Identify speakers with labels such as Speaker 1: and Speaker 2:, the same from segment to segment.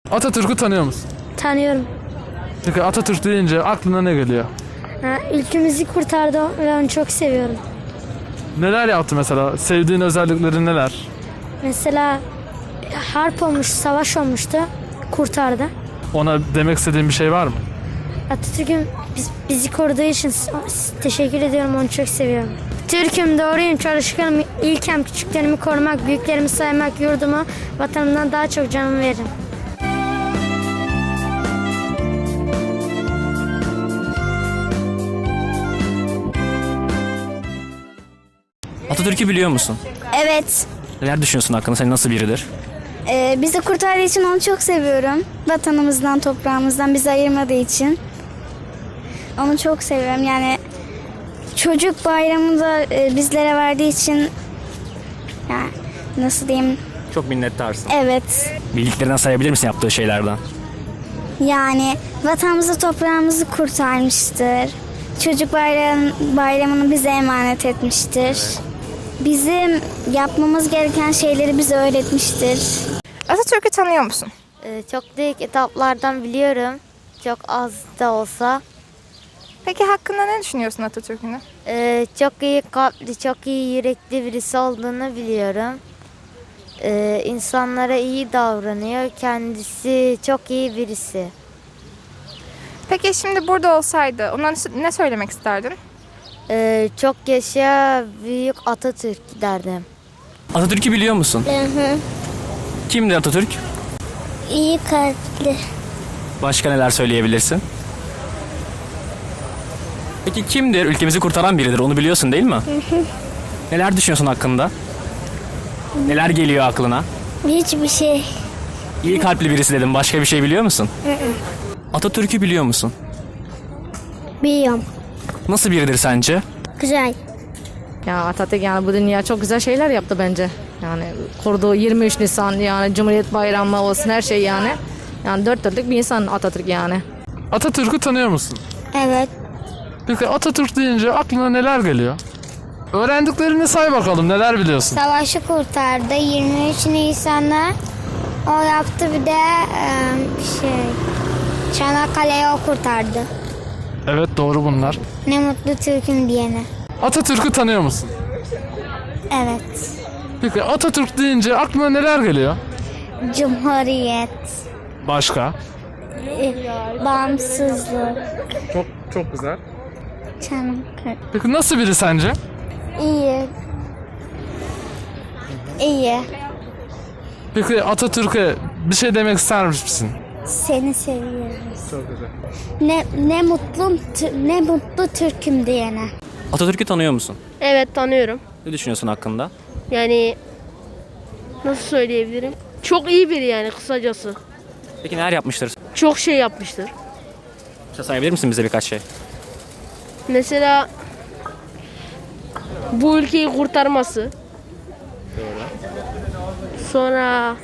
Speaker 1: Atatürk'ü tanıyor musun?
Speaker 2: Tanıyorum.
Speaker 1: Peki Atatürk deyince aklına ne geliyor?
Speaker 2: Ülkemizi kurtardı ve onu çok seviyorum.
Speaker 1: Neler yaptı mesela? Sevdiğin özellikleri neler?
Speaker 2: Mesela harp olmuş, savaş olmuştu. Kurtardı.
Speaker 1: Ona demek istediğin bir şey var mı?
Speaker 2: Atatürk'ün bizi koruduğu için teşekkür ediyorum. Onu çok seviyorum. Türk'üm, doğruyum, çalışkanım. İlkem küçüklerimi korumak, büyüklerimi saymak, yurdumu, vatanımdan daha çok canımı veririm.
Speaker 3: Atatürk'ü biliyor musun?
Speaker 4: Evet.
Speaker 3: Neler düşünüyorsun hakkında? Sen nasıl biridir?
Speaker 4: Bizi kurtardığı için onu çok seviyorum. Vatanımızdan, toprağımızdan bizi ayırmadığı için. Onu çok seviyorum. Yani çocuk bayramını da bizlere verdiği için, yani nasıl diyeyim?
Speaker 3: Çok minnettarsın.
Speaker 4: Evet.
Speaker 3: Bildiklerinden sayabilir misin yaptığı şeylerden?
Speaker 4: Yani vatanımızı, toprağımızı kurtarmıştır. Çocuk bayramını bize emanet etmiştir. Bizim yapmamız gereken şeyleri bize öğretmiştir.
Speaker 5: Atatürk'ü tanıyor musun?
Speaker 2: Çok büyük etaplardan biliyorum. Çok az da olsa.
Speaker 5: Peki hakkında ne düşünüyorsun Atatürk'ün?
Speaker 2: Çok iyi kalpli, çok iyi yürekli birisi olduğunu biliyorum. İnsanlara iyi davranıyor. Kendisi çok iyi birisi.
Speaker 5: Peki şimdi burada olsaydı ona ne söylemek isterdin?
Speaker 2: Çok yaşa büyük Atatürk derdim.
Speaker 3: Atatürk'ü biliyor musun? Kimdir Atatürk?
Speaker 4: İyi kalpli.
Speaker 3: Başka neler söyleyebilirsin? Peki kimdir? Ülkemizi kurtaran biridir. Onu biliyorsun değil mi? Neler düşünüyorsun hakkında? Neler geliyor aklına?
Speaker 4: Hiçbir şey.
Speaker 3: İyi kalpli birisi dedim. Başka bir şey biliyor musun? Atatürk'ü biliyor musun?
Speaker 4: Biliyorum.
Speaker 3: Nasıl biridir sence?
Speaker 4: Güzel.
Speaker 6: Ya Atatürk yani bu dünya çok güzel şeyler yaptı bence. Yani kurduğu 23 Nisan yani Cumhuriyet Bayramı olsun her şey yani. Yani dört dörtlük bir insan Atatürk yani.
Speaker 1: Atatürk'ü tanıyor musun?
Speaker 4: Evet.
Speaker 1: Peki Atatürk deyince aklına neler geliyor? Öğrendiklerini say bakalım, neler biliyorsun?
Speaker 4: Savaşı kurtardı. 23 Nisan'da o yaptı, bir de Çanakkale'yi o kurtardı.
Speaker 1: Evet, doğru bunlar.
Speaker 4: Ne mutlu Türk'üm diyene.
Speaker 1: Atatürk'ü tanıyor musun?
Speaker 4: Evet.
Speaker 1: Peki Atatürk deyince aklına neler geliyor?
Speaker 4: Cumhuriyet,
Speaker 1: Başka?
Speaker 4: bağımsızlık,
Speaker 1: Çok güzel.
Speaker 4: Çanakkale.
Speaker 1: Peki nasıl biri sence?
Speaker 4: İyi. İyi.
Speaker 1: Peki Atatürk'e bir şey demek ister misin?
Speaker 4: Seni seviyoruz.
Speaker 1: Çok güzel.
Speaker 4: Ne mutlu Türk'üm diyene.
Speaker 3: Atatürk'ü tanıyor musun?
Speaker 7: Evet, tanıyorum.
Speaker 3: Ne düşünüyorsun hakkında?
Speaker 7: Yani nasıl söyleyebilirim? Çok iyi biri yani kısacası.
Speaker 3: Peki neler yapmıştır?
Speaker 7: Çok şey yapmıştır.
Speaker 3: Sayabilir misin bize birkaç şey?
Speaker 7: Mesela bu ülkeyi kurtarması. Sonra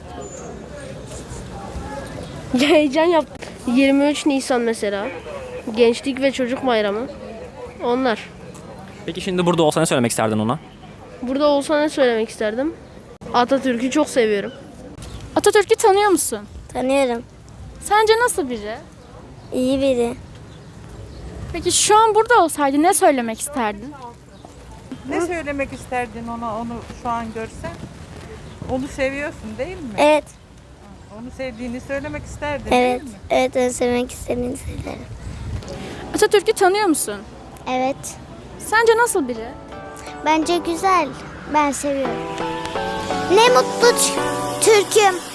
Speaker 7: heyecan yaptı. 23 Nisan mesela. Gençlik ve Çocuk Bayramı. Onlar.
Speaker 3: Peki şimdi burada olsa ne söylemek isterdin ona?
Speaker 7: Burada olsa ne söylemek isterdim? Atatürk'ü çok seviyorum.
Speaker 8: Atatürk'ü tanıyor musun?
Speaker 4: Tanıyorum.
Speaker 8: Sence nasıl biri?
Speaker 4: İyi biri.
Speaker 8: Peki şu an burada olsaydı ne söylemek isterdin?
Speaker 9: Ne söylemek isterdin ona, onu şu an görsen? Onu seviyorsun değil mi?
Speaker 4: Evet.
Speaker 9: Onu sevdiğini söylemek isterdin
Speaker 4: Evet.
Speaker 9: değil mi?
Speaker 4: Evet, onu sevmek istediğini söylerim.
Speaker 8: Atatürk'ü tanıyor musun?
Speaker 4: Evet.
Speaker 8: Sence nasıl biri?
Speaker 4: Bence güzel. Ben seviyorum. Ne mutlu Türk'üm.